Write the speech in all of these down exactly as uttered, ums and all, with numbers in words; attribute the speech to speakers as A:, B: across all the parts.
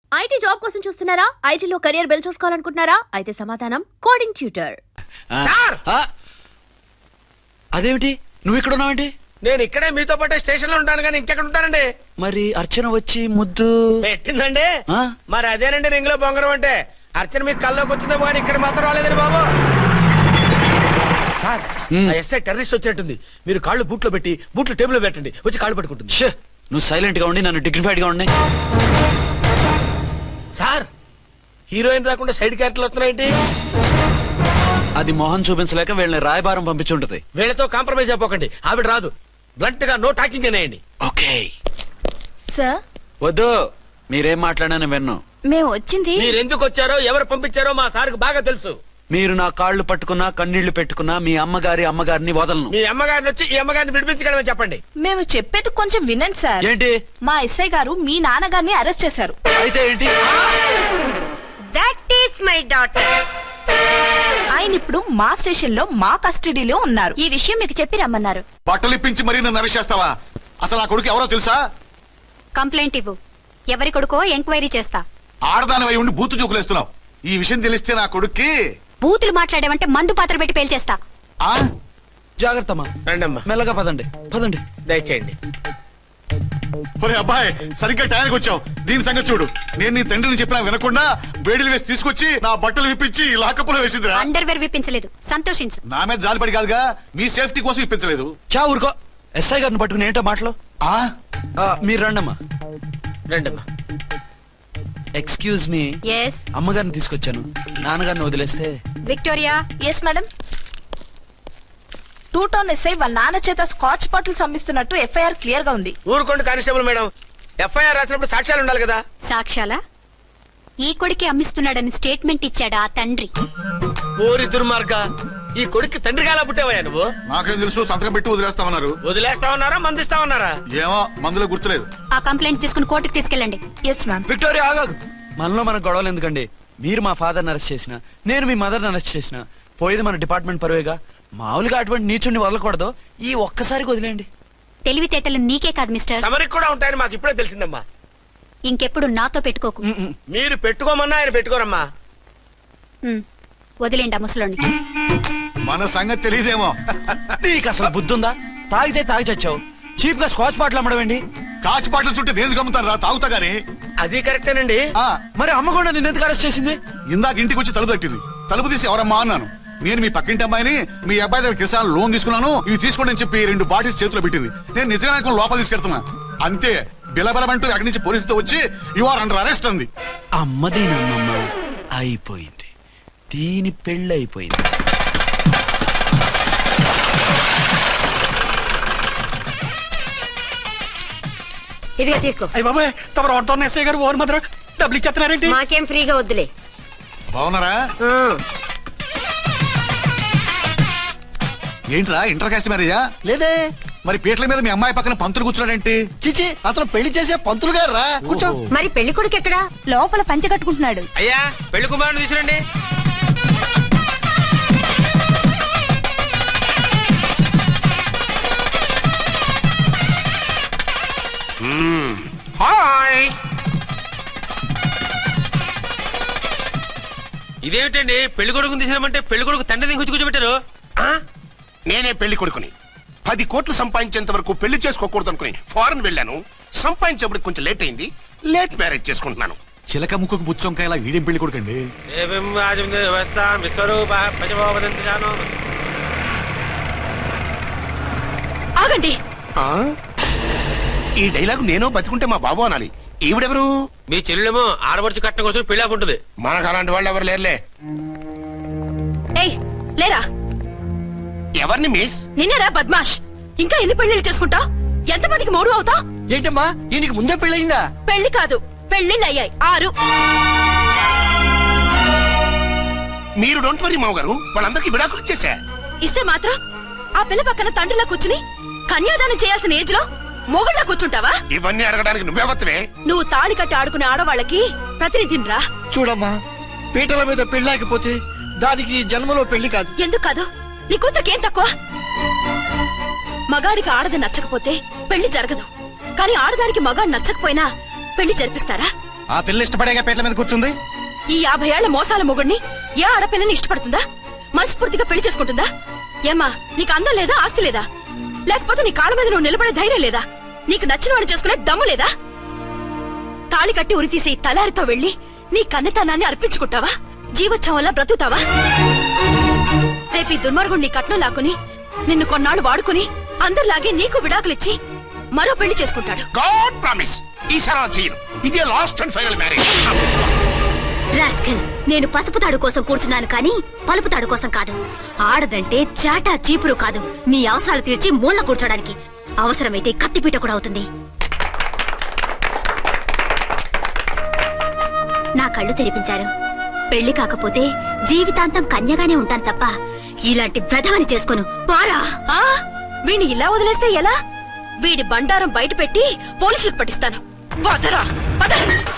A: IT job కోసం చూస్తున్నారా? ఐటీలో కెరియర్ బిల్డ్ చూసుకోవాలనుకుంటున్నారా? అయితే సమాధానం కోడింగ్ ట్యూటర్.
B: అదేమిటి నువ్వు ఇక్కడ ఉన్నావేంటి?
C: నేను ఇక్కడే మీతో పాటే స్టేషన్ లో ఉంటాను కానీ ఇంకెక్కడ ఉంటానండి.
B: మరి అర్చన వచ్చి ముద్దు
C: పెట్టిందండి. మరి అదేనండి రింగ్ లో బొంగరం అంటే. అర్చన మీకు కల్లోకి వచ్చిందేమో కానీ ఇక్కడ మాత్రం రాలేదండి బాబు. సార్ ఎస్ఐ టెర్రరిస్ట్ వచ్చినట్టుంది. మీరు కాళ్ళు బూట్లో పెట్టి బూట్లు టేబుల్ లో పెట్టండి, వచ్చి కాళ్ళు పట్టుకుంటుంది.
B: నువ్వు సైలెంట్ గా ఉండి నన్ను డిగ్నిఫైడ్ గా ఉండి.
C: సార్ హీరోయిన్ రాకుండా సైడ్ క్యారెక్టర్లు వస్తున్నాయేంటి?
B: అది మొహం చూపించలేక వీళ్ళని రాయబారం పంపించుంటది.
C: వీళ్ళతో కాంప్రమైజ్ అయిపోకండి, ఆవిడ రాదు. బ్లంట్ గా నో టాకింగ్ అనేయండి.
B: Okay
A: sir.
B: వద్దు, మీరేం మాట్లాడానని విన్ను.
A: మేము వచ్చింది
C: మీరు ఎందుకు వచ్చారో ఎవరు పంపించారో మా సార్కు బాగా తెలుసు.
B: మీరు నా కాళ్ళు పట్టుకున్నా కన్నీళ్లు పెట్టుకున్నా మీ అమ్మగారి అమ్మగారిని వదలను.
C: మీ అమ్మగారిని వచ్చి ఈ అమ్మగారిని విడిపించగలమని చెప్పండి.
D: మేము చెప్పేది కొంచెం వినండి సార్.
B: ఏంటి?
D: మా ఎస్ఐ గారు మీ నాన్నగారిని అరెస్ట్ చేశారు.
B: అయితే ఏంటి?
D: That is my daughter. ఆయన ఇప్పుడు మా స్టేషన్ లో మా కస్టడీలో ఉన్నారు.
A: ఈ విషయం మీకు చెప్పి రమ్మన్నారు.
E: బట్టలిప్పించి మరీ నన్ను అరెస్ట్ చేస్తావా? అసలు ఆ కొడుకు ఎవరో తెలుసా?
A: కంప్లైంట్ ఇవ్వు. ఎవరి కొడుకో ఎంక్వైరీ చేస్తా.
E: ఆడదానివై ఉండి బూతు చూకులేస్తున్నావు. ఈ విషయం తెలిస్తే నా కొడుక్కి
A: బూతులు మాట్లాడేవంటే మందు పాత్ర పెట్టి పేల్చేస్తా.
E: ఆ
B: జాగ్రత్తమ్మా.
C: రండమ్మా.
B: మెల్లగా పదండి పదండి.
C: దయచేయండి.
E: ఒరే అబ్బాయి, సరిగ్గా టయానికి వచ్చావు. దీని సంగతి చూడు. నేను నీ తండ్రిని చెప్పినా వినకుండా బేడీలు వేసి తీసుకొచ్చి నా బట్టలు విప్పించి లాకప్పులో వేసిందిరా.
A: అండర్వేర్ విప్పించలేదు, సంతోషించు.
E: నా మీద జాలిపడి కాదుగా, మీ సేఫ్టీ కోసం ఇప్పించలేదు.
B: చా ఊరుకో. ఎస్ఐ గారిని పట్టుకుని ఏంటో మాటలు.
E: ఆ
B: మీరు రండమ్మా.
C: రండమ్మా.
B: Excuse me.
A: ఎస్.
B: అమ్మగారిని తీసుకొచ్చాను. నాన్నగారిని వదిలేస్తే.
A: Victoria.
D: Yes madam. Two town SI వాళ్ళ నాన్న చేత స్కాచ్ బాటిల్స్ అమ్మిస్తున్నట్టు ఎఫ్ఐఆర్ క్లియర్ గా ఉంది.
C: ఊరుకోండి కానిస్టేబుల్ మేడం. ఎఫ్ఐఆర్ రాసినప్పుడు సాక్ష్యాలు ఉండాలి కదా.
A: సాక్ష్యాలా? ఈ కొడుకే అమ్మిస్తున్నాడని స్టేట్మెంట్ ఇచ్చాడా ఆ తండ్రి?
C: ఓరి దుర్మార్గ, ఈ కొడుక్కి తండ్రిగా ఎలా పుట్టావయ్యా నువ్వు?
E: నాకేం తెలుసు, సంతకం పెట్టి వదిలేస్తామన్నారు.
C: వదిలేస్తామన్నారా మందిస్తామన్నారా?
E: ఏమో, మందులో గుర్తులేదు.
A: ఆ కంప్లైంట్ తీసుకుని కోర్టుకు తీసుకెళ్ళండి.
D: Yes ma'am.
B: విక్టోరియా ఆగాగు. మనలో మనకు గొడవలు ఎందుకండి? మీరు మా ఫాదర్ని అరెస్ట్ చేసిన, నేను మీ మదర్ని అరెస్ట్ చేసిన, పోయేది మన డిపార్ట్మెంట్ పరువేగా. మామూలుగా అటువంటి నీచుని వదలకూడదు. ఈ ఒక్కసారికి వదిలేండి.
A: తెలివితేటలు నీకే కాదు మిస్టర్,
C: తమరికి కూడా ఉంటాయని మాకు ఇప్పుడే తెలిసిందమ్మా.
A: ఇంకెప్పుడు నాతో పెట్టుకోకు.
C: మీరు పెట్టుకోమన్నా ఆయన పెట్టుకోరమ్మా.
A: ఉమ్, వదిలేండి ఆ ముసలోని.
E: మన సంగతి తెలియదేమో.
B: నీకు అసలు బుద్ధుందా? తాగితే తాగి చచ్చావు. చీప్ గా స్కాచ్ బాటిల్ అమ్మడమేంటి?
E: కాచి బాటలు చుట్టూ నేను గమ్ముతాను రా, తాగుతా గానీ.
C: అది కరెక్టేనండి.
E: ఆ,
B: మరి అమ్మ కూడా నిన్ను ఎందుకు అరెస్ట్ చేసింది?
E: ఇందాక ఇంటికి వచ్చి తలుపు తట్టింది. తలుపు తీసి ఎవరమ్మా అన్నాను. నేను మీ పక్కింటి అమ్మాయిని, మీ అబ్బాయి దగ్గర కిసాన్ లోన్ తీసుకున్నాను, ఇవి తీసుకోండి అని చెప్పి రెండు బాటిల్స్ చేతిలో పెట్టింది. నేను నిజంగా లోపల తీసుకెళ్తున్నా. అంతే, బిలబలమంటూ అక్కడి నుంచి పోలీసుతో వచ్చి యు ఆర్ అండర్ అరెస్ట్ అంది.
B: అమ్మదీనమ్మమ్మ అయిపోయింది. దీని పెళ్ళి అయిపోయింది.
F: ఇదిగా తీసుకో.
G: అయ్య బాబాయ్, తమరు ఆటో ఎస్ఐ గారు ఓవర్ మాత్రం డబ్బులు ఇచ్చేస్తున్నారేంటి?
F: మాకేం ఫ్రీగా వద్దులే.
E: బాగున్నారా? ఏంట్రా ఇంటర్ కాస్ట్ మ్యారేజా?
G: లేదే.
E: మరి పీటల మీద మీ అమ్మాయి పక్కన పంతులు కూర్చున్నాడేంటి?
G: చిచి, అతను పెళ్లి చేసే పంతులు గారు రా. కూర్చో.
F: మరి పెళ్లి కొడుకు ఎక్కడా?
D: లోపల పంచె కట్టుకుంటున్నాడు.
C: అయ్యా, పెళ్లి కుమారుని తీసుకురండి. హాయ్. ఇదేమిటండి, పెళ్లి కొడుకుని తీసినామంటే పెళ్లి కొడుకు తండ్రి దిగి కూర్చోబెట్టారు.
H: నేనే పెళ్లి కొడుకుని. పది కోట్లు సంపాదించేంత వరకు పెళ్లి చేసుకోకూడదు అనుకుని ఫారెన్ వెళ్ళాను. సంపాదించేప్పుడు కొంచెం లేట్ అయింది. లేట్ మ్యారేజ్ చేసుకుంటున్నాను.
E: చిలక ముక్కుకు బుచ్చొంకాయ ఇలా వీడేం పెళ్లి కొడుకండి?
D: ఆగండి.
H: ఈ డైలాగ్ నేను బతికుంటే మా బాబు అనాలి. ఈవిడెవరు?
C: మీ చెల్లెమో ఆడబడుచు కట్టడం కోసం పెళ్లి ఉంటుంది.
H: మనకు అలాంటి వాళ్ళు ఎవరు లేరులే.
D: ఏయ్, లేరా.
H: ఎవరిని మిస్?
D: నిన్నరా బద్మాష్. ఇంకా ఎన్ని పెళ్లిళ్ళు చేసుకుంటా? ఎంతమందికి మూడు అవుతా?
G: ఏంటమ్మా, ఈయనకి ముందే పెళ్ళయిందా?
D: పెళ్లి కాదు, పెళ్లిళ్ళు అయ్యాయి ఆరు.
H: మీరు డోంట్ వరీ మావ గారు, వాళ్ళందరికీ విడాకులు ఇచ్చేసా.
D: ఇస్తే మాత్రం ఆ పిల్ల పక్కన తండ్రిలా కూర్చుని కన్యాదానం చేయాల్సిన ఏజ్ లో మొగుళ్ళ కూర్చుంటావా?
H: ఇవన్నీ అడగడానికి నువ్వెవత్తవే?
D: నువ్వు తాళి కట్టి ఆడుకునే ఆడవాళ్ళకి ప్రతినిధినిరా.
G: చూడమ్మా, పీటల మీద పెళ్ళాకపోతే దానికి జన్మలో పెళ్లి కాదు.
D: ఎందుకు కాదు? నీ కూతురికేం తక్కువ? మగాడికి ఆడది నచ్చకపోతే పెళ్లి జరగదు. కానీ ఆడదానికి మగాడు నచ్చకపోయినా పెళ్లి జరిపిస్తారా?
C: ఆ పిల్ల ఇష్టపడేగా పీటల మీద కూర్చుంది.
D: ఈ యాభై ఏళ్ల మోసాల మొగుడిని ఏ ఆడపిల్లని ఇష్టపడుతుందా? మనస్ఫూర్తిగా పెళ్లి చేసుకుంటుందా? ఏమ్మా, నీకు అందం లేదా, ఆస్తి లేదా? లేకపోతే నీ కాళ్ళ మీద నువ్వు నిలబడే ధైర్యం లేదా? నీకు నచ్చిన వాడు చేసుకునే దమ్ము లేదా? తాళి కట్టి ఉరితీసే ఈ తలారితో వెళ్లి నీ కన్నెతనాన్ని అర్పించుకుంటావా? జీవోత్సవంలా బ్రతుకుతావా? రేపు ఈ దుర్మార్గుడు నీ కట్నం లాక్కుని నిన్ను కొన్నాళ్ళు వాడుకుని అందరిలాగే నీకు విడాకులిచ్చి మరో పెళ్లి చేసుకుంటాడు.
H: గాడ్ ప్రామిస్ ఈసారి అలా చేయను. ఇదే last and final marriage.
F: Rascal, నేను పసుపు తాడు కోసం కూర్చున్నాను కానీ పలుపు తాడు కోసం కాదు. ఆడదంటే చాటా చీపురు కాదు, నీ అవసరాలు తీర్చి మూల కూర్చోడానికి. అవసరమైతే కత్తిపీట కూడా అవుతుంది. నా కళ్ళు తెరిపించారు. పెళ్లి కాకపోతే జీవితాంతం కన్యగానే ఉంటాను తప్ప ఇలాంటి ప్రధాని చేసుకోను. పారా
D: ఆ వీణ్ణి ఇలా వదిలేస్తే ఎలా? వీడి బండారం బయట పెట్టి పోలీసులకు పట్టిస్తాను. వదరా, వద.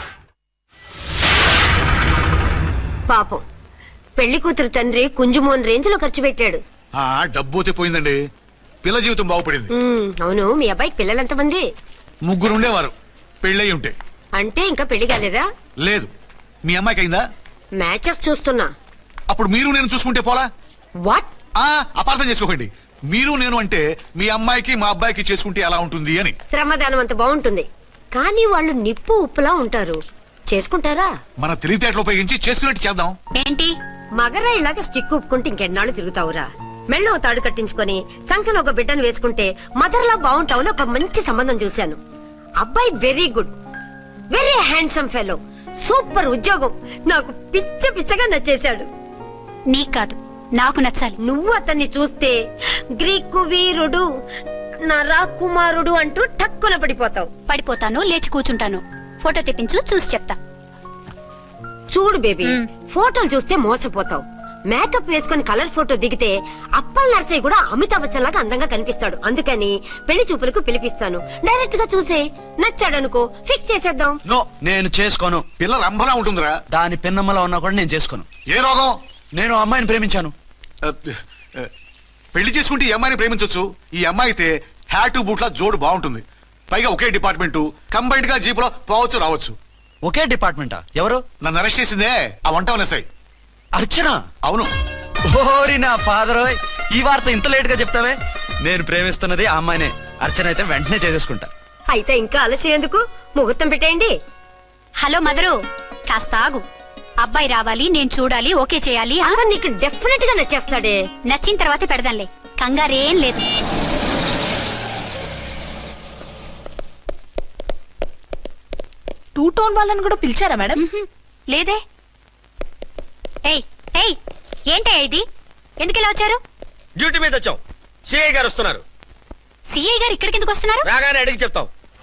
F: పాపం, పెళ్లి కూతురు తండ్రి కుంజుమోన్ రేంజ్ లో ఖర్చు పెట్టాడు.
E: ఆ డబ్బు అయితే పోయిందండి, పిల్ల జీవితం బాగుపడింది.
F: ఉమ్, అవును, మీ అబ్బాయికి పిల్లలెంతమంది?
E: ముగ్గురు ఉండేవారు, పెళ్ళయి ఉంటే.
F: అంటే ఇంకా పెళ్లి కాలేదా?
E: లేదు. మీ అమ్మాయికి అయిందా?
F: మ్యాచెస్ చూస్తున్నా.
E: అప్పుడు మీరు నేను చూసుకుంటే పోలా?
F: వాట్?
E: ఆ అపార్థం చేసుకోకండి. మీరు నేను అంటే మీ అమ్మాయికి మా అబ్బాయికి చేసుకుంటే ఎలా ఉంటుంది అని.
F: శ్రమదానం అంత బాగుంటుంది, కానీ వాళ్ళు నిప్పు ఉప్పులా ఉంటారు. చేసుకుంటారా?
E: మన తెలివితేటలు ఉపయోగించి చేసుకున్నట్టు చేద్దాం.
F: ఏంటి మగరా ఇలాగ స్టిక్ ఉప్పుకుంటే ఇంకెన్నాళ్ళు తిరుగుతావురా? మెళ్ళో తాడు కట్టించుకొని చంకలో ఒక బిడ్డను వేసుకుంటే మదర్లా బాగుంటావుని ఒక మంచి సంబంధం చూశాను. అబ్బాయి very good, very handsome fellow, super ఉద్యోగం. నాకు పిచ్చ పిచ్చగా నచ్చేశాడు.
I: నీకు కాదు, నాకు నచ్చాలి.
F: నువ్వు అతన్ని చూస్తే గ్రీకు వీరుడు, నరా కుమారుడు అంటూ టక్కున పడిపోతావు.
I: పడిపోతాను, లేచి కూర్చుంటాను. ఫోటో తెప్పించు, చూసి చెప్తా.
F: చూడు బేబీ, ఫోటోలు చూస్తే మోసపోతావు. మేకప్ వేసుకుని కలర్ ఫోటో దిగితే అప్పల్ నర్సయ్య కూడా అమితాబ్ బచ్చన్ లాగా అందంగా కనిపిస్తాడు. అందుకని పెళ్లి చూపులకు పిలిపిస్తాను. డైరెక్ట్ గా చూసే నచ్చాడనుకో ఫిక్స్ చేసేద్దాం.
B: నో, నేను చేసుకోను.
E: పిల్ల రంభలా ఉంటుందిరా.
B: దాని పిన్నమ్మలా ఉన్నా కూడా నేను చేసుకోను.
E: ఏ రోగం?
B: నేను ఆ అమ్మాయిని ప్రేమించాను.
E: ఆ, ఆ, పెళ్లి చేసుకుంటే ఈ అమ్మాయిని ప్రేమించొచ్చు. ఈ అమ్మాయి అయితే హ్యాటు బూట్ల జోడు బాగుంటుంది. పైగా ఒకే డిపార్ట్మెంట్, కంబైన్డ్ గా జీపులో పోవచ్చు రావచ్చు.
B: ఒకే డిపార్ట్మెంటా? ఎవరు?
E: నన్ను అరెస్ట్ చేసిందే ఆ వంట ఎస్ఐ.
B: అర్చన?
E: అవును.
B: ఓరి నా ఫాదర్, ఈ వార్త ఇంత లేట్ గా చెప్తావే. నేను ప్రేమిస్తున్నది ఆ అమ్మాయినే. అర్చన అయితే వెంటనే చేసేసుకుంటా.
F: అయితే ఇంకా ఆలస్యం ఎందుకు, ముహూర్తం పెట్టేయండి.
I: హలో మదరు, కాస్త ఆగు. అబ్బాయి రావాలి, నేను చూడాలి, ఓకే చేయాలి. ఆ?
F: అతను నీకు డెఫినెట్ గా నచ్చేస్తాడే.
I: నచ్చిన తర్వాతే పెడదాంలే, కంగారేం లేదు.
D: టూ టోన్ వాళ్ళని కూడా పిలిచారా మేడం?
I: లేదే. ఏయ్ ఏయ్, ఏంటే ఇది? ఎందుకు ఇలా వచ్చారు?
C: డ్యూటీ మీద వచ్చాం. సిఐ గారు వస్తున్నారు.
I: సిఐ గారు ఇక్కడికి ఎందుకు వస్తున్నారు?
C: రాగానే అడిగి చెప్తాం.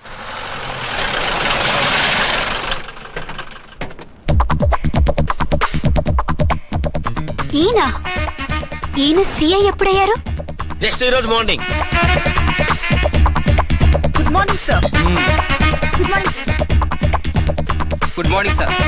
I: ఈయన ఈయన సిఐ ఎప్పుడయ్యారు?
C: నెక్స్ట్ ఈ రోజు morning.
D: Good morning sir. Good morning sir.
C: Good morning sir.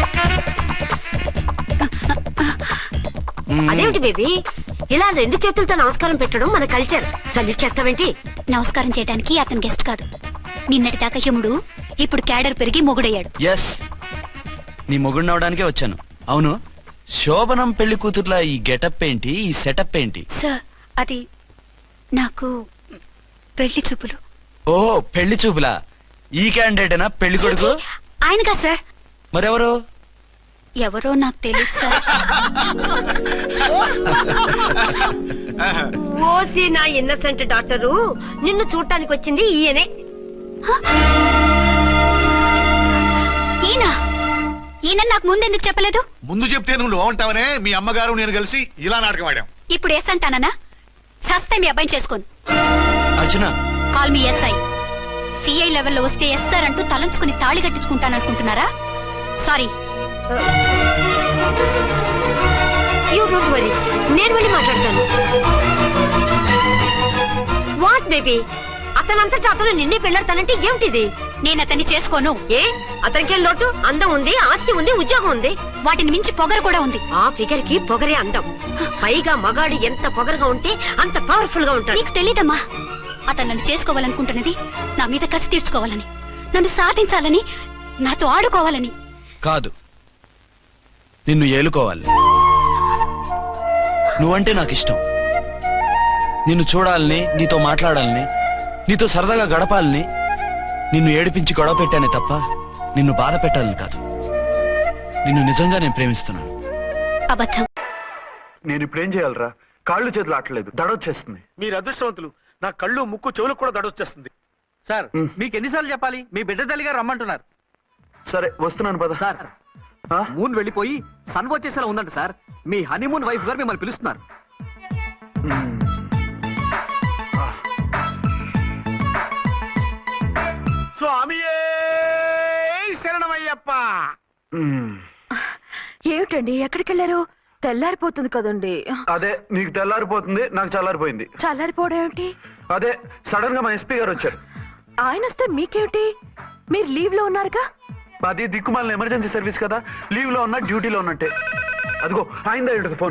F: అదేమిటి బేబీ, ఇలా రెండు చేతులతో నమస్కారం పెట్టడం మన కల్చర్. సల్యూట్ చేస్తావేంటి?
I: నమస్కారం చేయడానికి అతను గెస్ట్ కాదు. నిన్నటి దాకా యముడు, ఇప్పుడు క్యాడర్ పెరిగి మొగుడయ్యాడు.
B: ఎస్, నీ మొగుడిని అవడానికే వచ్చాను. అవును, శోభనం పెళ్లి కూతుర్లా ఈ గెటప్ ఏంటి, ఈ సెటప్ ఏంటి?
I: సార్, అది నాకు పెళ్లి చూపులు.
B: ఓ, పెళ్లి చూపులా? ఈ క్యాండిడేటేనా పెళ్లి కొడుకు?
I: ఆయనగా సార్.
B: మరెవరు?
I: ఎవరో నాకు తెలియదు సార్.
F: ఓసి నా ఇన్నసెంట్ డాక్టరు, నిన్ను చూడటానికి వచ్చింది ఈయనే.
I: ఈయన ఈయన నాకు ముందెందుకు చెప్పలేదు?
E: ముందు చెప్తే నువ్వు బాగుంటావనే మీ అమ్మగారు నేను కలిసి ఇలా నాటకం ఆడాం.
I: ఇప్పుడు ఎస్ అంటానా? సస్తే మీ అబ్బాయిని చేసుకోను.
B: అర్చన,
I: కాల్ మీ ఎస్ఐ. సిఐ లెవెల్లో వస్తే ఎస్ఆర్ అంటూ తలంచుకుని తాళి కట్టించుకుంటాననుకుంటున్నారా? సారీ.
F: యూ డోంట్ వరీ, నేను వెళ్ళి మాట్లాడతాను. వాట్ బేబీ, అతనంతటా అతను నిన్నే పెళ్ళాడతానంటే ఏమిటిది?
I: నేను అతన్ని చేసుకోను.
F: ఏ, అతనికేం లోటు? అందం ఉంది, ఆస్తి ఉంది, ఉద్యోగం ఉంది.
I: వాటిని మించి పొగరు కూడా ఉంది.
F: ఆ ఫిగర్ కి పొగరే అందం. పైగా మగాడు ఎంత పొగరుగా ఉంటే అంత పవర్ఫుల్ గా ఉంటాడు.
I: నీకు తెలీదమ్మా, అతను నన్ను చేసుకోవాలనుకుంటున్నది నా మీద కసి తీర్చుకోవాలని, నన్ను సాధించాలని, నాతో ఆడుకోవాలని.
B: కాదు, నిన్ను ఏలుకోవాలి. నువ్వంటే నాకు ఇష్టం. నిన్ను చూడాలని, నీతో మాట్లాడాలని, నీతో సరదాగా గడపాలని, నిన్ను ఏడిపించి గొడవ పెట్టానే తప్ప నిన్ను బాధ పెట్టాలని కాదు. నిన్ను నిజంగా నేను ప్రేమిస్తున్నాను.
I: అబద్ధం.
B: నేను ఇప్పుడేం చేయాలరా? కాళ్ళు చేతులు ఆటలేదు, దడొచ్చేస్తుంది.
G: మీరు అదృష్టవంతులు. నా కళ్ళు ముక్కు చెవులకు కూడా దడొచ్చేస్తుంది. సార్, మీకు ఎన్నిసార్లు చెప్పాలి? మీ బిడ్డ తల్లి గారు రమ్మంటున్నారు.
B: సరే వస్తున్నాను పద.
G: సార్, మూన్ వెళ్ళిపోయి సన్ వచ్చేసేలా ఉందంట సార్. మీ హనీమూన్ వైఫ్ గారు మిమ్మల్ని పిలుస్తున్నారు.
H: స్వామియే శరణమయ్యప్ప.
D: ఏమిటండి, ఎక్కడికి వెళ్ళారు? తెల్లారిపోతుంది కదండి.
B: అదే, నీకు తెల్లారిపోతుంది, నాకు చల్లారిపోయింది.
D: చల్లారిపోవడం ఏమిటి?
B: అదే సడన్ గా మా ఎస్పీ గారు వచ్చారు.
D: ఆయన వస్తే మీకేమిటి? మీరు లీవ్ లో ఉన్నారుగా.
B: అది దిక్కుమాలిన ఎమర్జెన్సీ సర్వీస్ కదా, లీవ్ లో ఉన్నా డ్యూటీలో ఉన్నట్టే. అదిగో ఆయనదా ఉంటుంది ఫోన్.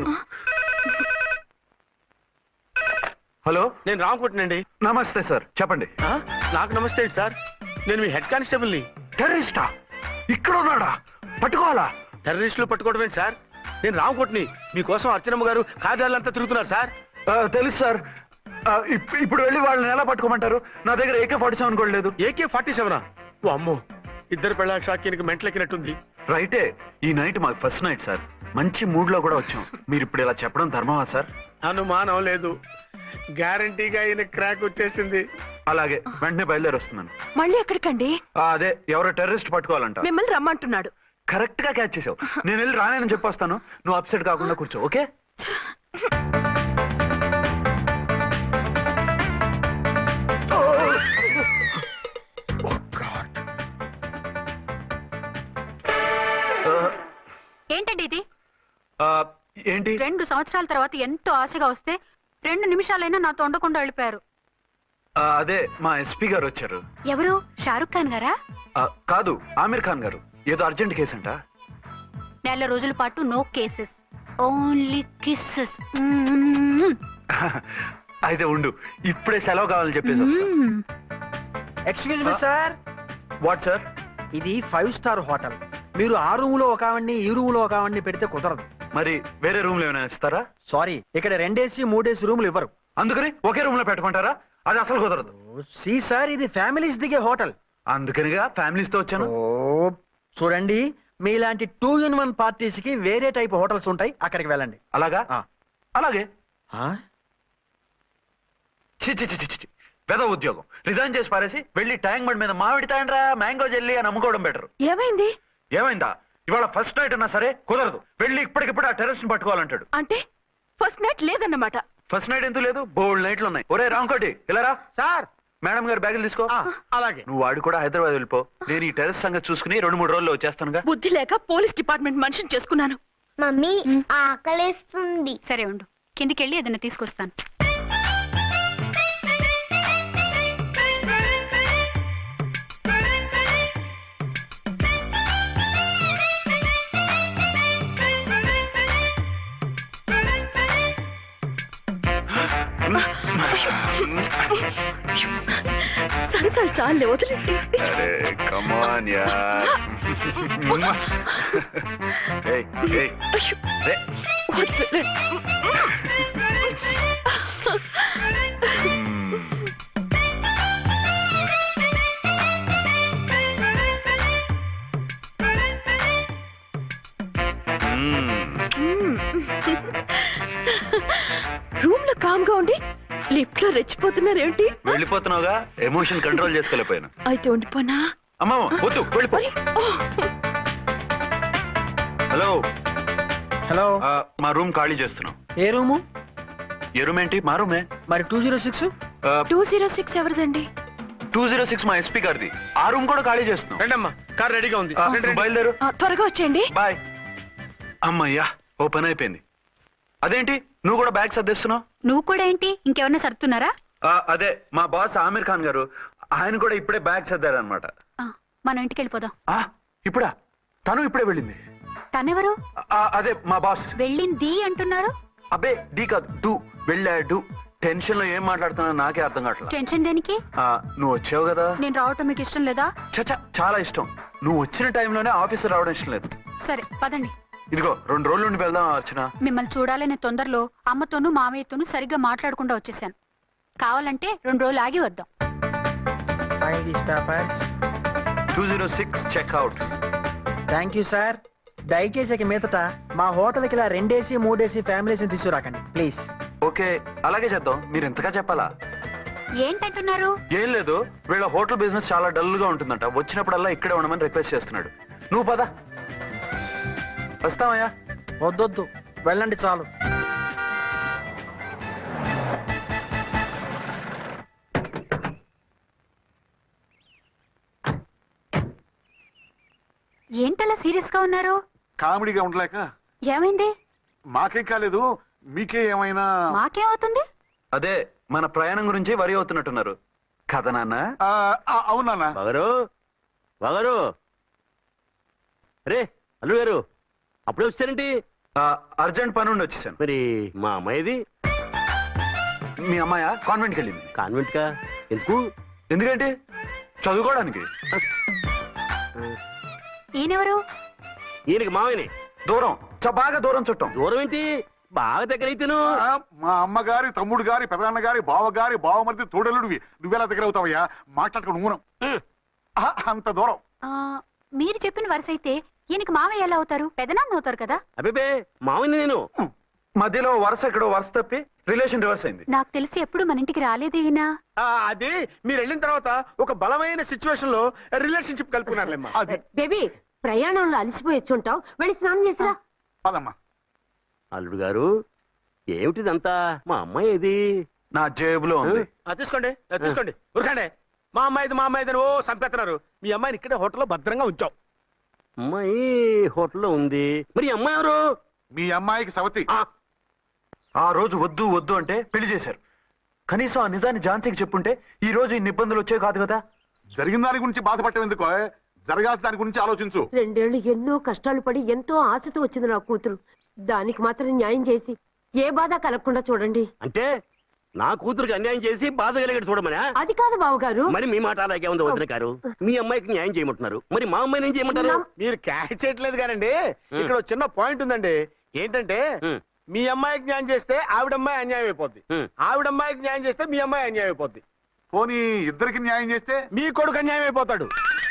B: హలో,
G: నేను రామకుంటునండి.
B: నమస్తే సార్, చెప్పండి.
G: నాకు నమస్తే సార్. నేను మీ హెడ్ కానిస్టేబుల్ ని.
B: టెర్రరిస్టా? ఇక్కడ ఉన్నాడా? పట్టుకోవాలా?
G: టెర్రరిస్టులు పట్టుకోవడం ఏంటి సార్? నేను రామకోట్ని. మీకోసం అర్చనమ్మ గారు కార్యాలయంతా తిరుగుతున్నారు సార్.
B: ఆ, తెలుసు సార్. ఆ, ఇప్- ఇప్పుడు వెళ్ళి వాళ్ళని ఎలా పట్టుకోమంటారు? నా దగ్గర ఏకే ఫార్టీ సెవెన్ కూడా లేదు.
G: AK forty సెవెనా? ఓ అమ్మో, ఇద్దరు పెళ్ళ షాకీనికి మెంటలెక్కినట్టుంది.
B: రైటే, ఈ నైట్ మాకు ఫస్ట్ నైట్ సార్. మంచి మూడ్ లో కూడా వచ్చాం. మీరు ఇప్పుడు ఇలా చెప్పడం ధర్మమా సార్?
H: అనుమానం లేదు, గ్యారంటీగా ఈయన క్రాక్ వచ్చేసింది.
B: అలాగే, వెంటనే బయలుదేరి వస్తున్నాను.
D: మళ్ళీ ఎక్కడికండి?
B: ఆ, అదే ఎవరో టెర్రరిస్ట్ పట్టుకోవాలంట.
D: మిమ్మల్ని రమ్మంటున్నాడు.
B: కరెక్ట్ గా క్యాచ్ చేసావు. నేను వెళ్ళి రానని చెప్పొస్తాను, నువ్వు అప్సెట్ కాకుండా కూర్చో, ఓకే?
I: ఏంటండి ఇది?
B: ఆ, ఏంటి?
I: రెండు సంవత్సరాల తర్వాత ఎంతో ఆశగా వస్తే రెండు నిమిషాలైనా నాతో ఉండకుండా వెళ్ళిపోయారు.
B: ఆ, అదే మా ఎస్పీ గారు వచ్చారు.
I: ఎవరు? షారుఖ్ ఖాన్ గారా?
B: ఆ, కాదు, ఆమీర్ ఖాన్ గారు. ఏదో అర్జెంట్ కేసు అంట.
I: నెల రోజుల పాటు నో కేసెస్, ఓన్లీ కిస్సెస్.
B: అయితే ఉండు, ఇప్పుడే సెలవు కావాలని చెప్పేసి వస్తా.
G: Excuse me sir.
B: What sir?
G: ఇది ఫైవ్ స్టార్ హోటల్. మీరు ఆ రూమ్ లో ఒక ఆవిడ్ని, ఈ రూమ్ లో ఒక ఆవిడ్ని పెడితే కుదరదు.
B: మరి వేరే రూమ్ లో ఏమైనా ఇస్తారా?
G: సారీ, ఇక్కడ రెండేసి మూడేసి రూములు ఇవ్వరు.
B: అందుకని ఒకే రూమ్ లో పెట్టమంటారా? అది అసలు కుదరదు.
G: సి సార్, ఇది ఫ్యామిలీస్ దిగే హోటల్.
B: అందుకనిగా ఫ్యామిలీస్ తో వచ్చాను.
G: ఓ చూడండి, మీలాంటి టూ ఇన్ వన్ పార్టీస్ కి వేరే టైప్ హోటల్స్ ఉంటాయి, అక్కడికి వెళ్ళండి.
B: అలాగా?
G: ఆ.
B: అలాగే.
G: ఆ?
B: చి చి చి చి చి. పెద్ద ఉద్యోగం రిజైన్ చేసి పారేసి వెళ్ళి ట్యాంక్ బండ్ మీద మామిడి తాండ్రా మ్యాంగో జెల్లీ అని అమ్ముకోవడం బెటర్.
D: ఏమైంది?
B: ఏమైందా? ఇవాళ ఫస్ట్ నైట్ అన్నా సరే కుదరదు. వెళ్ళి ఇప్పటికిప్పుడు ఆ టెర్రస్ ని పట్టుకోవాలంటాడు.
D: అంటే ఫస్ట్ నైట్ లేదన్నమాట.
B: ఫస్ట్ నైట్ ఎందుకు లేదు? బోల్డ్ నైట్లు ఉన్నాయి. ఒరే రాంకోటి, ఇలా రా.
G: సార్.
B: మేడం గారు బ్యాగులు తీసుకో.
G: అలాగే.
B: నువ్వు వాడు కూడా హైదరాబాద్ వెళ్ళిపో. నేను ఈ టెర్రస్ సంగతి చూసుకుని రెండు మూడు రోజుల్లో వచ్చేస్తానుగా.
D: బుద్ధి లేక పోలీస్ డిపార్ట్మెంట్ మనిషిని చేసుకున్నాను.
J: మమ్మీ ఆకలేస్తుంది.
I: సరే ఉండు, కిందికెళ్ళి ఏదైనా తీసుకొస్తాను.
D: సరే సరే, చాలే వదిలేసి.
B: అరే కమాన్ యార్. ఏయ్ ఏయ్ రే.
D: వదిలే. రూమ్ లో కామ్ గా ఉండి లిఫ్ట్ లో రెచ్చిపోతున్నారు ఏమిటి?
B: వెళ్ళిపోతున్నావుగా, ఎమోషన్ కంట్రోల్ చేసుకోలేకపోయాను.
D: అయితే ఉండిపోనా?
B: అమ్మా వద్దు, వెళ్ళిపో. Hello
G: hello.
B: ఆ, మా రూమ్ ఖాళీ చేస్తున్నాం.
G: ఏ రూము?
B: ఏ రూమ్ ఏంటి? మా రూమే.
G: మరి two zero six
D: two zero six ఎవరిదండి?
B: టూ జీరో సిక్స్ మా ఎస్పీ గారిది. ఆ రూమ్ కూడా ఖాళీ చేస్తున్నాం.
G: రండమ్మా, కార్ రెడీగా ఉంది.
B: ఆ,
G: రండి, రండి.
B: బయలుదేరు.
D: ఆ, త్వరగా వచ్చేయండి.
B: బాయ్. అమ్మయ్యా, ఓ పని అయిపోయింది. అదేంటి నువ్వు కూడా బ్యాగ్ సర్దేస్తున్నావు?
I: నువ్వు కూడా ఏంటి, ఇంకెవరన్నా సర్దుతున్నారా?
B: ఆ, అదే మా బాస్ ఆమీర్ ఖాన్ గారు, ఆయన కూడా ఇప్పుడే బ్యాగ్ సర్దారు అనమాట.
I: ఆ, మనం ఇంటికి వెళ్ళిపోదాం.
B: ఇప్పుడా? తను ఇప్పుడే వెళ్ళింది.
I: తనెవరు?
B: ఆ, అదే మా బాస్.
I: వెళ్ళింది అంటున్నారు.
B: అబ్బే డీ కాదు, డూ. వెళ్ళాడు. టెన్షన్ లో ఏం మాట్లాడుతున్నా నాకే అర్థం కావట్లేదు.
I: టెన్షన్ దేనికి?
B: నువ్వు వచ్చావు కదా.
I: నేను రావటం మీకు ఇష్టం లేదా?
B: చచ్చా చాలా ఇష్టం. నువ్వు వచ్చిన టైంలోనే ఆఫీసర్ రావడం ఇష్టం లేదు.
I: సరే పదండి.
B: ఇదిగో రెండు రోజుల నుండి వెళ్దాం అర్చన.
I: మిమ్మల్ని చూడాలనే తొందరలో అమ్మతోనూ మామయ్యతోనూ సరిగ్గా మాట్లాడకుండా వచ్చేసాను. కావాలంటే రెండు రోజులు ఆగి వద్దాం.
B: Two zero six checkout.
G: Thank you sir. దయచేసి ఇక మీదట మా హోటల్కి ఇలా రెండేసి మూడేసి ఫ్యామిలీస్ తీసుకురాకండి ప్లీజ్.
B: ఓకే అలాగే చేద్దాం. మీరు ఎంతగా చెప్పాలా?
I: ఏంటంటున్నారు?
B: ఏం లేదు, వీళ్ళ హోటల్ బిజినెస్ చాలా డల్ గా ఉంటుందంట. వచ్చినప్పుడల్లా ఇక్కడే ఉండమని రిక్వెస్ట్ చేస్తున్నాడు. నువ్వు పద. వస్తావయ్యా?
G: వద్దొద్దు, వెళ్ళండి చాలు.
I: ఏంటలా సీరియస్ గా ఉన్నారు?
E: కామెడీగా ఉండలేక.
I: ఏమైంది?
E: మాకేం కాలేదు, మీకే ఏమైనా?
I: మాకేమవుతుంది?
B: అదే మన ప్రయాణం గురించి వరి అవుతున్నట్టున్నారు కదా నాన్న?
E: అవునా
C: బగరు బగరు రే అల్లుడు గారు అప్పుడే వచ్చారేంటి?
B: అర్జెంట్ పని ఉండి వచ్చేసాను.
C: మరి మా అమ్మాయిది?
B: మీ అమ్మాయ కాన్వెంట్కి వెళ్ళింది.
C: కాన్వెంట్ కా? ఎందుకు?
B: ఎందుకంటే చదువుకోవడానికి.
I: ఈయనెవరు?
C: ఈయనకి మామయ్యని.
B: దూరం, చ బాగా దూరం చుట్టాం.
C: దూరం ఏంటి, బాగా దగ్గర అయితేను.
E: మా అమ్మగారి తమ్ముడు గారి పెదనాన్న గారి బావ గారి బావమరిది తోడలుడివి. నువ్వెలా దగ్గర అవుతావయ్యా? మాట్లాడుకుని ఊనం అంత దూరం.
I: ఆ, మీరు చెప్పిన వరుస అయితే ఈయనకి మామయ్య ఎలా అవుతారు? పెదనాన్న అవుతారు కదా.
C: అబ్బే మామయ్యని నేను.
B: మధ్యలో వరుస ఎక్కడో వరుస తప్పి రిలేషన్ రివర్స్ అయింది.
I: నాకు తెలిసి ఎప్పుడు మన ఇంటికి రాలేదు ఈయన.
C: అది మీరు వెళ్ళిన తర్వాత ఒక బలమైన సిచ్యువేషన్ లో రిలేషన్షిప్ కలుపుకున్నారులేమ్మా.
F: బేబీ ప్రయాణంలో అలసిపోయి వచ్చుంటావు, వెళ్ళి స్నానం చేసిరా.
E: పదమ్మా.
C: అల్లుడు గారు ఏమిటిదంతా? మా అమ్మాయి ఏది?
B: నా జేబులో ఉంది.
C: తీసుకోండి తీసుకోండి, ఉరకండి. మా అమ్మాయిది మా అమ్మాయిది ఓ చంపేస్తున్నారు. మీ అమ్మాయిని ఇక్కడే హోటల్లో భద్రంగా ఉంచాం. అమ్మాయి హోటల్లో ఉంది. మరి అమ్మాయి ఎవరు?
E: మీ అమ్మాయికి సవతి.
B: ఆ రోజు వద్దు వద్దు అంటే పెళ్లి చేశారు. కనీసం ఆ నిజాన్ని ఝాన్సీకి చెప్పుంటే ఈ రోజు ఇన్ని ఇబ్బందులు వచ్చే కాదు కదా.
E: జరిగిన దాని గురించి బాధపడటం ఎందుకో, జరగాల్సిన దాని గురించి ఆలోచించు.
F: రెండేళ్లు ఎన్నో కష్టాలు పడి ఎంతో ఆశతో వచ్చింది నా కూతురు. దానికి మాత్రం న్యాయం చేసి ఏ బాధ కలగకుండా చూడండి.
C: అంటే నా కూతురికి అన్యాయం చేసి బాధ కలిగేది చూడమనా?
F: అది కాదు బావగారు.
C: మరి మీ మాట అలాగే ఉంది వదిన గారు. మీ అమ్మాయికి న్యాయం చేయమంటున్నారు, మరి మా అమ్మాయిని ఏం చేయమంటారు?
K: మీరు క్యాచ్ చేయట్లేదు కానండి. ఇక్కడ ఒక చిన్న పాయింట్ ఉందండి. ఏంటంటే మీ అమ్మాయికి న్యాయం చేస్తే ఆవిడమ్మాయి అన్యాయం అయిపోద్ది, ఆవిడమ్మాయికి న్యాయం చేస్తే మీ అమ్మాయి అన్యాయం అయిపోద్ది.
E: పోనీ ఇద్దరికి న్యాయం చేస్తే
K: మీ కొడుకు అన్యాయం అయిపోతాడు.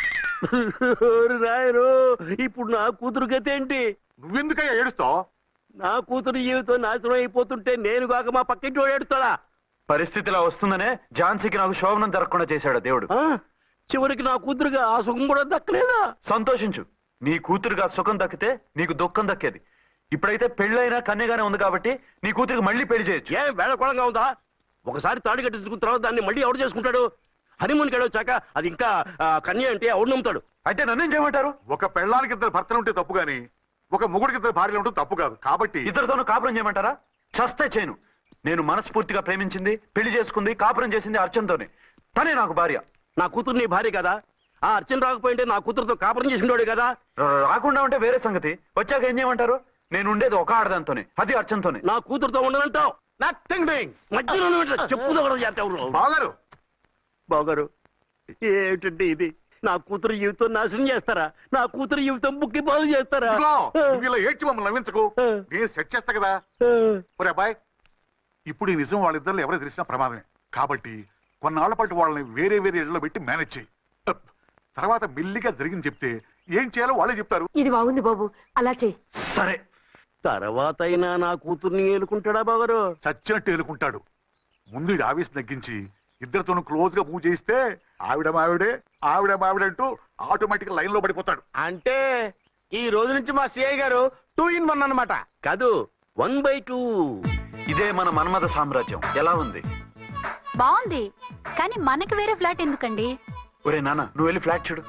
C: రాయరు, ఇప్పుడు నా కూతురు గతి ఏంటి?
E: నువ్వెందుకయ్యా ఏడుస్తావు?
C: నా కూతురు జీవితం నాశనం అయిపోతుంటే నేను కాక మా పక్కింటి వాడు ఏడుస్తాడా?
B: పరిస్థితిలా వస్తుందనే ఝాన్సీకి నాకు శోభనం జరగకుండా చేశాడు దేవుడు.
C: చివరికి నా కూతురుగా ఆ సుఖం కూడా దక్కలేదా?
B: సంతోషించు, నీ కూతురుగా సుఖం దక్కితే నీకు దుఃఖం దక్కేది. ఇప్పుడైతే పెళ్ళైనా కన్యగానే ఉంది కాబట్టి నీ కూతురికి మళ్ళీ పెళ్లి చేయొచ్చు.
C: ఏం వేళకోళంగా ఉందా? ఒకసారి తాడి కట్టించుకున్న తర్వాత దాన్ని మళ్ళీ ఎవడు చేసుకుంటాడు? హనీమూన్కి వెళ్ళొచ్చాక అది ఇంకా కన్య అంటే ఎవడు నమ్ముతాడు?
B: అయితే నన్నేం చేయమంటారు?
E: ఒక పెళ్ళానికి ఇద్దరు భర్తలు ఉంటే తప్పు గాని ఒక మొగుడికి ఇద్దరు భార్యలు ఉంటే తప్పు కాదు. కాబట్టి
B: ఇద్దరితోనూ కాపురం చేయమంటారా? చస్తే చేయను. నేను మనస్ఫూర్తిగా ప్రేమించింది, పెళ్లి చేసుకుంది, కాపురం చేసింది అర్చనతోనే. తనే నాకు భార్య.
C: నా కూతురు నీ భార్య కదా? ఆ అర్చన రాకపోయింటే నా కూతురుతో కాపురం చేసినోడే కదా?
B: రాకుండా ఉంటే వేరే సంగతి. వచ్చాక ఏం చేయమంటారు? నేను ఉండేది ఒక ఆడదాంతోనే, అది అర్చనతోనే.
C: నా కూతురుతో ఉండనంటావు? Nothing doing. మధ్యలో చెప్పుదో కూడా చేస్తావు.
E: బాగారు
C: బాగారు ఏమిటంటే ఇది? నా కూతురు జీవితం నాశనం చేస్తారా? నా కూతురు జీవితం బుక్కి బాగు చేస్తారా?
E: ఇలా ఏడ్చి మమ్మల్ని నవ్వించకు, నేను సెట్ చేస్తా కదా. ఒరే అబ్బాయి, ఇప్పుడు ఈ నిజం వాళ్ళిద్దరు ఎవరో తెలిసినా ప్రమాదమే. కాబట్టి కొన్నాళ్ల పాటు వాళ్ళని వేరే వేరే ఇళ్లలో పెట్టి మేనేజ్ చేయి. తర్వాత మెల్లిగా జరిగింది చెప్తే ఏం చేయాలో వాళ్ళే చెప్తారు.
F: ఇది బాగుంది బాబు, అలా చెయ్యి.
B: సరే,
C: తర్వాత అయినా నా కూతుర్ని ఏలుకుంటాడా బాగారు?
E: చచ్చినట్టు ఏలుకుంటాడు. ముందు ఈ ఆవేశం తగ్గించి ఇద్దరితోనూ క్లోజ్ గా మూవ్ చేయిస్తే ఆవిడ మావిడే ఆవిడ మావిడంటూ ఆటోమేటిక్ లైన్ లో పడిపోతాడు.
K: అంటే ఈ రోజు నుంచి మా సిఐ గారు టూ ఇన్ వన్ అన్నమాట.
C: కాదు, వన్ బై టూ.
B: ఇదే మన మన్మథ సామ్రాజ్యం. ఎలా ఉంది?
I: బాగుంది, కానీ మనకి వేరే ఫ్లాట్ ఎందుకండి?
B: ఒరే నాన్న, నువ్వు వెళ్ళి ఫ్లాట్ చూడు.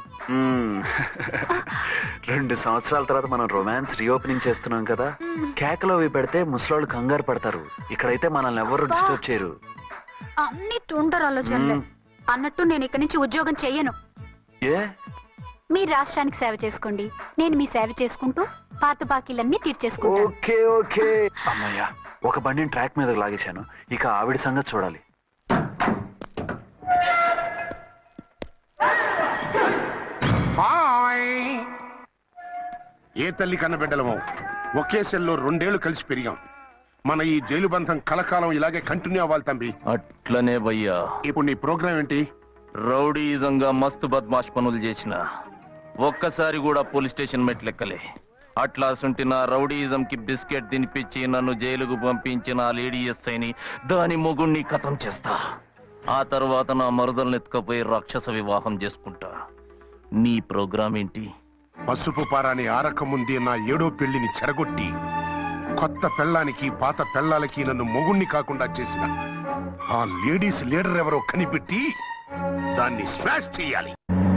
B: రెండు సంవత్సరాల తర్వాత మనం రొమాన్స్ రీఓపెనింగ్ చేస్తున్నాం కదా. కేకలో అవి పెడితే ముసలోళ్ళు కంగారు పడతారు. ఇక్కడైతే మనల్ని ఎవరు డిస్టర్బ్ చేయరు.
I: అన్ని తుంటరు ఆలోచనలే. అన్నట్టు నేను ఇక్కడి నుంచి ఉద్యోగం చెయ్యను.
B: ఏ?
I: మీరు రాష్ట్రానికి సేవ చేసుకోండి, నేను మీ సేవ చేసుకుంటూ పాత బాకీలన్నీ తీర్చేసుకుంటాను.
B: Okay okay. అమ్మయ్యా, ఒక బండిని ట్రాక్ మీదకి లాగేశాను. ఇక ఆవిడ సంగతి చూడాలి.
H: ఏ తల్లి కన్న బిడ్డలమో ఒకే సెల్లో రెండేళ్లు కలిసి పెరిగాం. మన ఈ జైలు బంధం కలకాలం ఇలాగే కంటిన్యూ అవ్వాలి తంబి.
L: అట్లనే భయ్యా.
H: ఇప్పుడు నీ ప్రోగ్రామ్ ఏంటి?
L: రౌడీజంగా మస్తు బద్మాష్ పనులు చేసిన ఒక్కసారి కూడా పోలీస్ స్టేషన్ మెట్లెక్కలే. అట్లా సుంటి నా రౌడీజం కి బిస్కెట్ తినిపించి నన్ను జైలుకు పంపించిన ఆ లేడీ ఎస్ఐని దాని మొగుణ్ణి ఖతం చేస్తా. ఆ తర్వాత నా మరుదల్ని ఎత్తుకపోయి రాక్షస వివాహం చేసుకుంటా. నీ ప్రోగ్రామ్ ఏంటి?
H: పసుపు పారాని ఆరక ముందే నా ఏడో పెళ్లిని చెరగొట్టి కొత్త పెళ్ళానికి పాత పెళ్ళాలకి నన్ను మొగుణ్ణి కాకుండా చేసిన ఆ లేడీస్ లీడర్ ఎవరో కనిపెట్టి దాన్ని స్మాష్ చేయాలి.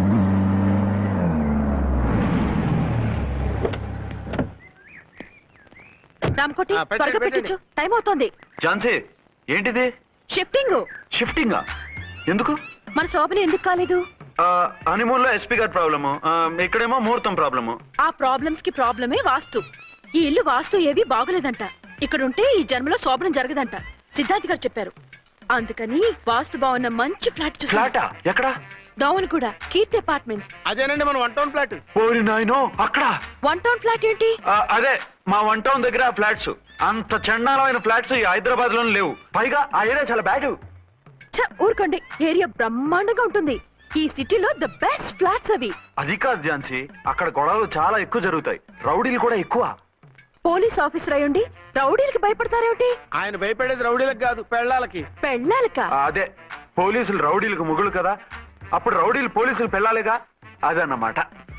D: రామకోటి
K: ఆ, పెట్టండి,
D: త్వరగా
K: పెట్టండి.
D: పెట్టించు, టైం అవుతోంది.
B: ఝాన్సీ, ఏంటిది?
D: షిఫ్టింగ్.
B: షిఫ్టింగా? ఎందుకు?
D: మన శోభని ఎందుకు కాలేదు?
B: హనీమూన్ లో ఎస్పీ గారి ప్రాబ్లము, ఇక్కడేమో ముహూర్తం ప్రాబ్లము.
D: ఆ ప్రాబ్లమ్స్ కి ప్రాబ్లమే వాస్తు. ఈ ఇల్లు వాస్తు ఏవి బాగోలేదంట. ఇక్కడ ఉంటే ఈ జన్మలో శోభనం జరగదంట సిద్ధార్థ్ గారు చెప్పారు. అందుకని వాస్తు బాగున్న మంచి ఫ్లాట్ చూసా.
B: ఫ్లాటా? ఎక్కడ?
D: డౌన్ కూడా కీర్తి అపార్ట్మెంట్.
K: అదేనండి మన వన్ టౌన్ ఫ్లాట్.
B: ఓరి నాయనో, అక్కడ?
D: వన్ టౌన్ ఫ్లాట్ ఏంటి?
B: ఆ, అదే మా వన్ టౌన్ దగ్గర ఫ్లాట్స్. అంత చండాలమైన ఫ్లాట్స్ ఈ హైదరాబాద్ లోనే లేవు. పైగా ఆ ఏరియా చాలా బ్యాడ్.
D: ఛ, ఊరుకోండి. ఏరియా బ్రహ్మాండంగా ఉంటుంది. ఈ సిటీలో ద బెస్ట్ ఫ్లాట్స్ అవి.
B: అది కాదు ఝాన్సీ, అక్కడ గొడవలు చాలా ఎక్కువ జరుగుతాయి. రౌడీలు కూడా ఎక్కువ.
D: పోలీస్ ఆఫీసర్ అయ్యుండి రౌడీలకి భయపడతారేమిటి?
K: ఆయన భయపడేది రౌడీలకు కాదు, పెళ్ళాలకి.
D: పెళ్ళాలక?
B: ఆ, అదే పోలీసులు రౌడీలకు ముగులు కదా, అప్పుడు రౌడీలు పోలీసులు పెళ్ళాలిగా, అదన్నమాట.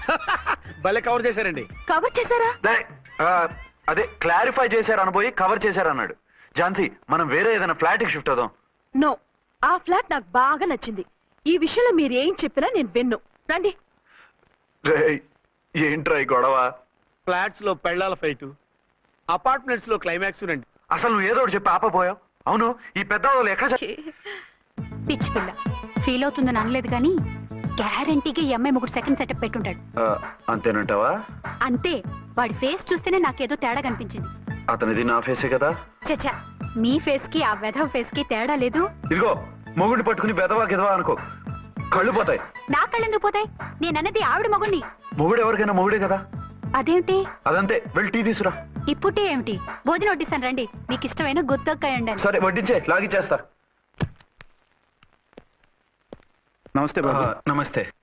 K: భలే కవర్ చేశారండి.
D: కవర్ చేశారా?
B: దే- ఆ, అదే క్లారిఫై చేశారు అనబోయి కవర్ చేశారు అన్నాడు. ఝాన్సీ, మనం వేరే ఏదైనా ఫ్లాట్ కి షిఫ్ట్ అవుదాం.
D: నో, ఆ ఫ్లాట్ నాకు బాగా నచ్చింది. ఈ విషయంలో మీరు ఏం చెప్పినా నేను విన్ను. రండి.
B: రేయ్, ఏంట్రా ఈ గొడవ?
K: ఫ్లాట్స్ లో పెళ్ళాల ఫైట్, అపార్ట్మెంట్స్ లో క్లైమాక్స్ రండి.
B: అసలు నువ్వు ఏదో ఒకటి చెప్పి ఆపపోయావు. అవును, ఈ పెద్ద వాళ్ళు ఎక్కడ చ-
I: పిచ్చి పిల్ల ఫీల్ అవుతుందని అనలేదు కానీ గ్యారంటీగా ఈ అమ్మాయి ముగ్గురు సెకండ్ సెటప్ పెట్టుంటాడు.
B: ఆ, అంతేనంటావా?
I: అంతే. వాడి ఫేస్ చూస్తేనే నాకేదో తేడా కనిపించింది.
B: అతనిది నా ఫేసే కదా.
I: చచ్చా, మీ ఫేస్ కి ఆ వెధవ ఫేస్ కి తేడా లేదు.
B: ఇదిగో, మొగుడిని పట్టుకుని బెదవా గెదవా అనుకో, కళ్ళు పోతాయి.
I: నా కళ్ళెందుకు పోతాయి? నేనన్నది ఆవిడ మగుణ్ణి.
B: మొగుడు ఎవరికైనా మొగుడే కదా.
I: అదేమిటి?
B: అదంతే, వెళ్ళి టీ తీసురా.
I: ఇప్పుడే ఏమిటి? భోజనం వడ్డిస్తాను రండి. మీకు ఇష్టమైన గుత్తొక్కాయ ఉండండి.
B: సరే వడ్డించే, లాగిచ్చేస్తా.
M: నమస్తే బాబు.
B: నమస్తే.